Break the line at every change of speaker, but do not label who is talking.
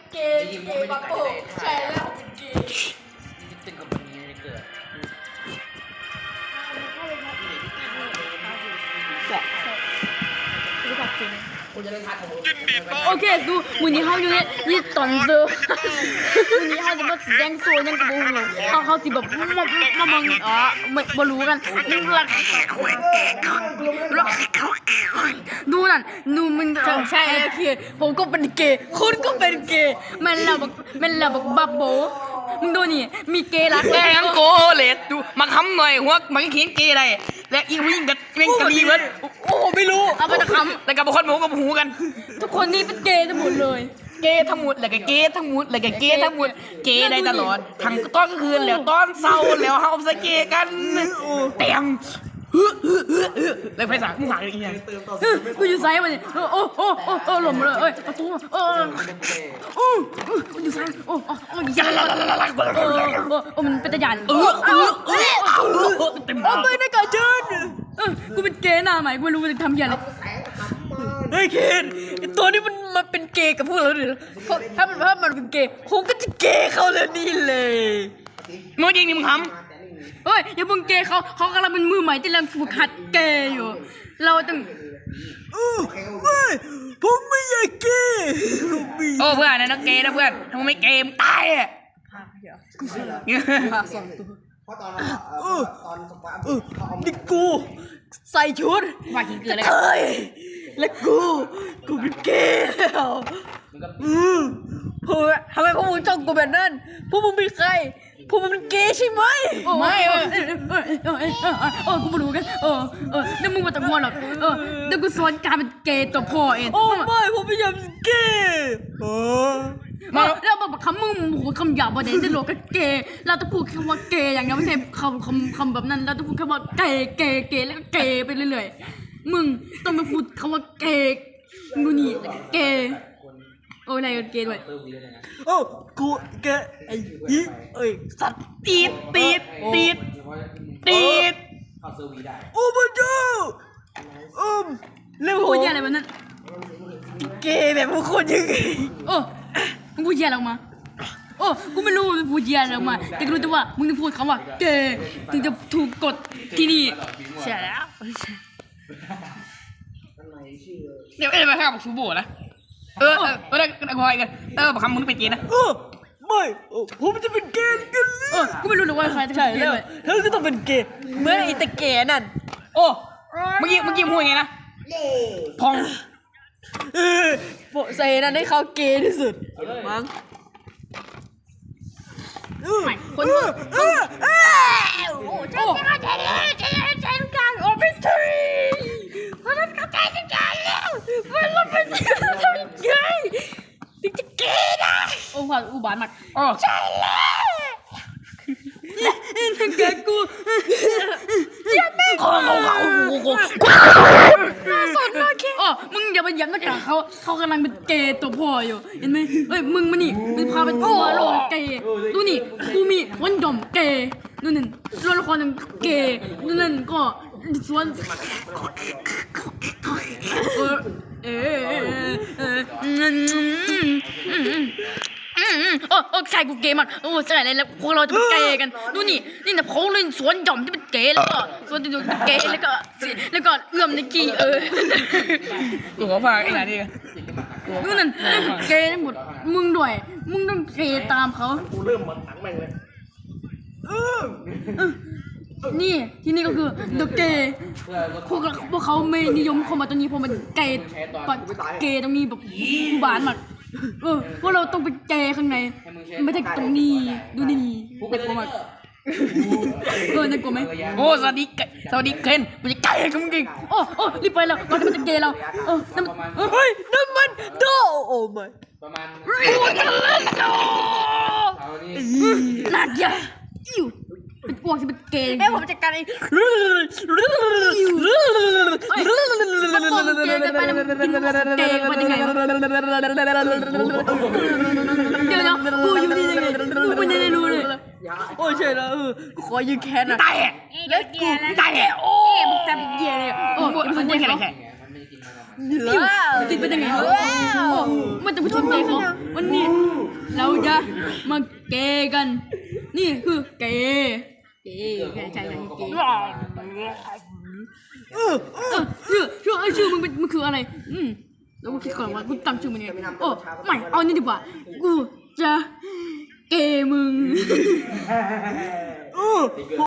เกย์บับเบิ้ลใช่แล้วเป็นเกย์
ตึงกับมันนี้เกิด
โอเคดูมือนี้เขาอยู่นี่ตอนเจอมือนี้เขาจะมาแดงโซนยังกระโบงเลยเขาสิแบบมามึงมารู้กันดูนั่นดูมันใช่แล้วคือผมก็เป็นเกย์คุณก็เป็นเกย์แม่เราบอกบับโบมึงดูนี่มีเกย์รัก
แกงโกเลตดูมาคำหน่อยหัวมันเขียนเกย์อะไรและอีวิ่งกับเม่งกะลีมันโอ้ไม่รู้
เอาไปตะคำ
แต่กับคนหมูกับหูกัน
ทุกคนนี่เป็นเกย์ทั้งหมดเลย
เกย์ทั้งหมดแล้วก็เกย์ทั้งหมดแล้วก็เกย์ทั้งหมดเกย์ได้ตลอดทั้งต้นคืนแล้วต้นเศร้าแล้วเฮาสเกย์กันเต็มแล้วไฟสากมึงหายอีกอย่าง
กูอยู่ไซส์มันโอ้หล่มเลยเอ้ยประตูกูอยู่ไซส์โอ้มันเป็นตะยัน
เต็ม
ไม่ได้การเชิญกูเป็นเกย์หน้าใหม่กูไม่รู้มันจะทำยังไงเฮ้ยเคนตัวนี้มันเป็นเกย์กับพวกเราเลยถ้ามันเป็นเกย์ผมก็จะเกย์เขาเลยนี่เลย
เมื่อกี้นี่มึงทำ
เฮ้ยอย่าเพิ่งเกย์เขากำลังเป็นมือใหม่ที่กำลังฝึกหัดเกย์อยู่เราต้องไม่ผมไม่อยากเกย์
โอ้เพื่อนนะนักเกย์นะเพื่อนถ้ามึงไม่เกย์มึงตายอ่ะ
เพราะตอนสปาร์
นี่กูใส่ชุด
ว่ากินเกลืออะไร
เฮ้ยและกูเป็นเกย์แล้วทำไมพวกมึงจ้องกูแบบนั้นพวกมึงเป็นใครพวกมึงเป็นเกย์ใช่ไหมไม่กูไม่รู้กันเดี๋ยวมึงมาตะโกนหรอกเดี๋ยวกูสอนการเป็นเกย์ตัวพ่อเองไม่ผมไม่อยากเป็นเกย์แล้วแบบคำมึงคำหยาบประเด็นจะโลกก็เกย์เราต้องพูดคำว่าเกย์อย่างเดียวไม่ใช่คำแบบนั้นเราต้องพูดคำว่าเกย์แล้วก็เกย์ไปเรื่อยๆมึงต้องไปพูดคำว่าเกย์นู่นนี่เกย์อะไรกันเกย์ด้วยกูเกย์ไอ้ยี่สัตว์ตีดโอ้พระเจ้าเรื่องพูดเยอะอะไรแบบนั้นเกย์แบบพวกคนยังไงมึงพูดเยอะอะไรออกมากูไม่รู้มึงพูดเยอะอะไรออกมาแต่กูรู้แต่ว่ามึงต้องพูดคำว่าเกย์ถึงจะถูกกดที่นี่ใช่แล้ว
เดี๋ยวไปข้าวกับชูโบนะได้คอยกันบอกคำมึงเป็นเกย์นะ
ไม่ผมจะเป็นเกย์กันกูไม่รู้หรอกว่าใครจะเป็นเกย์ด้วยแล้วก็ต้องเป็นเกย์เหมื่อนไอ้ตะเกย์นั่น
เมื่อกี้พูดไงนะพอง
ใส่นั่นให้เขาเกย์ที่สุดมั้งคนใช่ทุกการเป็นทรีคนนั้นเข้าใจทุกการแล้วมันเป็นทำยังไงถึงจะเกย์ได้ผ่านอุบาทมากใช่แล้วนั่นแกกูอย่าแม่งสดมากแค่มึงอย่าไปย้ำนะจ๊ะเขากำลังเป็นเกย์ตัวพ่ออยู่เห็นไหมเฮ้ยมึงมานี่มึงพาไปตัวโลกเกย์ดูนี่กูมีวันดอมเกย์นู่นนั่นตัวละครหนึ่งเกย์นู่นนั่นก็ส่วนใช่กูเกย์มากใช่แล้วพวกเราจะเป็นเกย์กันดูนี่แต่เขาเล่นสวนหย่อมที่เป็นเกย์แล้วก็สวนที่เป็นเกย์แล้วก็เอื้อมในกี้
กูขอฟังไอ้ไหนดิ
นู่นนั่นเกย์ทั้งหมดมึงด้วยมึงต้องเกย์ตามเขา
กูเริ่มมันถังแม่งเลย
นี่ที่นี่ก็คือเดอะเกย์พวกเขาไม่นิยมเข้ามาตรงนี้เพราะมันเกย์ตรงนี้แบบบานมากพวกเราต้องเป็นเกย์ข้างในไม่ใช่ตรงนี้ดูนี่น่ากลัวมากน่ากลัวไหม
สวัสดีเคนกูจะเกย์กับมึงจริง
รีบไปแล้วเราจะเป็นเกย์เรานั่นมันโดโอ้ไม่
ประมาณ
กูจะเล่นโด
น่าเกลียดเป็นพวกที่เป็นเกย์ผมจัดการเองเดี๋ยวกูอยู่นี่ยังไงกูไม่ได้รู้เลยใช่แล้วกูขอยืนแค้นนะ
ตาย
แล้วกู
ตาย
มึงทำเหี้ยเลย
มันไม่ใช่อะไรแค่
ติดเป็นยังไงมันจะพูดถึงเกย์เขาวันนี้เราจะมาเกย์กัน นี่คือเกย์ใช่เกย์ชื่อมึงเป็นมันคืออะไรแล้วกูคิดก่อนว่ากูตั้งชื่อมันยังไงโอ้ไม่เอานี่ดีกว่ากูจะเกย์มึง